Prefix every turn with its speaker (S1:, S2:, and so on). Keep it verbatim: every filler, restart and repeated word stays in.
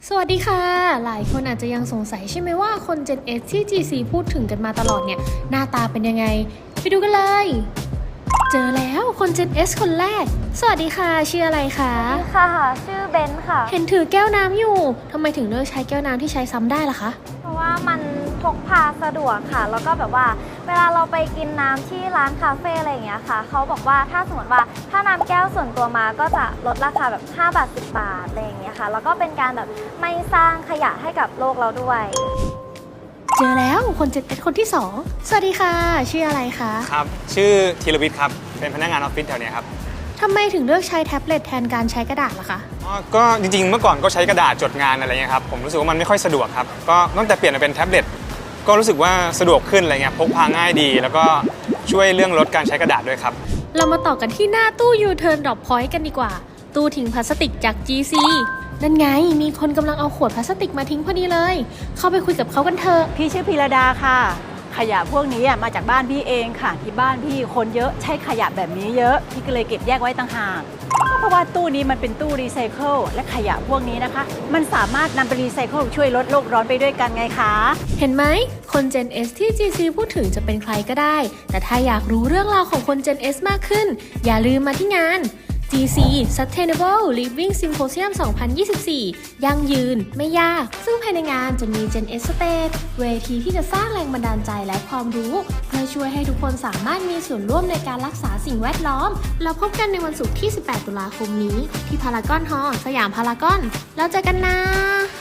S1: สวัสดีค่ะ หลายคนอาจจะยังสงสัยใช่ไหมว่าคน Gen X ที่ จี ซี พูดถึงกันมาตลอดเนี่ยหน้าตาเป็นยังไงไปดูกันเลย เจอแล้วคน Gen X คนแรกสวัสดีค่ะชื่ออะไรคะ
S2: ค่ะชื่อเบนค่ะ
S1: เห็นถือแก้วน้ำอยู่ทำไมถึงเลือกใช้แก้วน้ำที่ใช้ซ้ำได้ล่ะคะ
S2: เพราะว่ามันพกพาสะดวกค่ะแล้วก็แบบว่าเวลาเราไปกินน้ำที่ร้านคาเฟ่อะไรอย่างเงี้ยค่ะเขาบอกว่าถ้าสมมติว่าถ้าน้ำแก้วส่วนตัวมาก็จะลดราคาแบบห้าบาทสิบบาทอะไรอย่างเงี้ยค่ะแล้วก็เป็นการแบบไม่สร้างขยะให้กับโลกเราด้วย
S1: เจอแล้วคน Gen X คนที่สองสวัสดีค่ะชื่ออะไรคะ
S3: ครับชื่อธีรวิทย์ครับเป็นพนักงานออฟฟิศแถวเนี้ยครับ
S1: ทำไมถึงเลือกใช้แท็บเล็ตแทนการใช้กระดาษล่ะคะ
S3: อ๋อก็จริงๆเมื่อก่อนก็ใช้กระดาษจดงานอะไรเงี้ยครับผมรู้สึกว่ามันไม่ค่อยสะดวกครับก็ตั้งแต่เปลี่ยนมาเป็นแท็บเล็ตก็รู้สึกว่าสะดวกขึ้นอะไรเงี้ยพกพาง่ายดี แล้วก็ช่วยเรื่องลดการใช้กระดาษด้วยครับ
S1: เรามาต่อกันที่หน้าตู้ U-Turn Drop Point กันดีกว่า ตู้ทิ้งพลาสติกจาก จี ซี นั่นไงมีคนกำลังเอาขวดพลาสติกมาทิ้งพอดีเลย เข้าไปคุยกับเขากันเถอะ
S4: พี่ชื่อพีระดาค่ะ ขยะพวกนี้มาจากบ้านพี่เองค่ะ ที่บ้านพี่คนเยอะใช้ขยะแบบนี้เยอะพี่ก็เลยเก็บแยกไว้ต่างหากเพราะว่าตู้นี้มันเป็นตู้รีไซเคิลและขยะพวกนี้นะคะ มันสามารถนำไปรีไซเคิลช่วยลดโลกร้อนไปด้วยกันไงคะ
S1: เห็นไหมคน Gen S ที่ จี ซี พูดถึงจะเป็นใครก็ได้ แต่ถ้าอยากรู้เรื่องราวของคน Gen S มากขึ้น อย่าลืมมาที่งาน จี ซี Sustainable Living Symposium สองพันยี่สิบสี่ ยั่งยืนไม่ยาก ซึ่งภายในงานจะมี Gen S Stage เวทีที่จะสร้างแรงบันดาลใจและความรู้เพื่อช่วยให้ทุกคนสามารถมีส่วนร่วมในการรักษาสิ่งแวดล้อม แล้วพบกันในวันศุกร์ที่ สิบแปด ตุลาคมนี้ ที่พารากอนฮอลล์สยามพารากอนแล้วเจอกันนะ